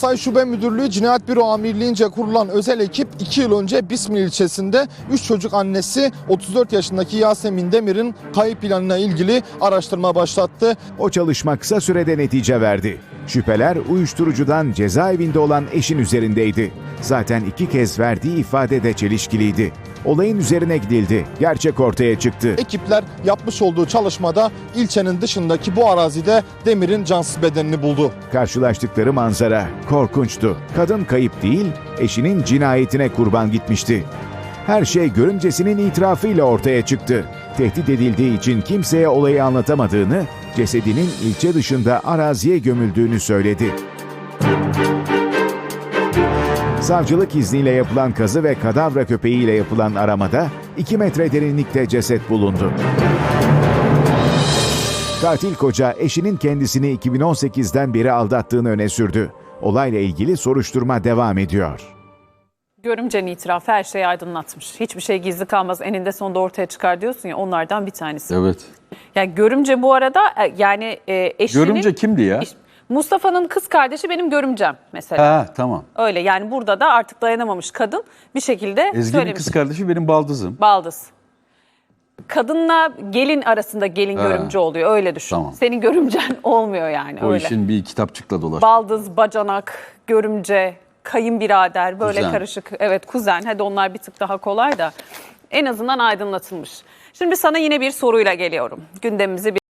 Hatay Şube Müdürlüğü Cinayet Büro Amirliğince kurulan özel ekip 2 yıl önce Bismil ilçesinde 3 çocuk annesi 34 yaşındaki Yasemin Demir'in kayıp planına ilgili araştırma başlattı. O çalışma kısa sürede netice verdi. Şüpheler uyuşturucudan cezaevinde olan eşin üzerindeydi. Zaten 2 kez verdiği ifade de çelişkiliydi. Olayın üzerine gidildi. Gerçek ortaya çıktı. Ekipler yapmış olduğu çalışmada ilçenin dışındaki bu arazide Demir'in cansız bedenini buldu. Karşılaştıkları manzara korkunçtu. Kadın kayıp değil, eşinin cinayetine kurban gitmişti. Her şey görümcesinin itirafıyla ortaya çıktı. Tehdit edildiği için kimseye olayı anlatamadığını, cesedinin ilçe dışında araziye gömüldüğünü söyledi. Savcılık izniyle yapılan kazı ve kadavra köpeğiyle yapılan aramada 2 metre derinlikte ceset bulundu. Katil koca eşinin kendisini 2018'den beri aldattığını öne sürdü. Olayla ilgili soruşturma devam ediyor. Görümcenin itirafı her şeyi aydınlatmış. Hiçbir şey gizli kalmaz, eninde sonunda ortaya çıkar diyorsun ya, onlardan bir tanesi. Evet. Yani görümce bu arada yani eşinin... Görümce kimdi ya? Mustafa'nın kız kardeşi benim görümcem mesela. Ha, tamam. Öyle yani, burada da artık dayanamamış kadın bir şekilde Ezgi'nin söylemiş. kız kardeşi benim baldızım. Baldız. Kadınla gelin arasında gelin görümce oluyor, öyle düşün. Tamam. Senin görümcen olmuyor yani, O öyle. işin bir kitapçıkla dolaştı. Baldız, bacanak, görümce, kayınbirader, böyle Kuzen. karışık. Evet, kuzen. Hadi onlar bir tık daha kolay da en azından aydınlatılmış. Şimdi sana yine bir soruyla geliyorum. Gündemimizi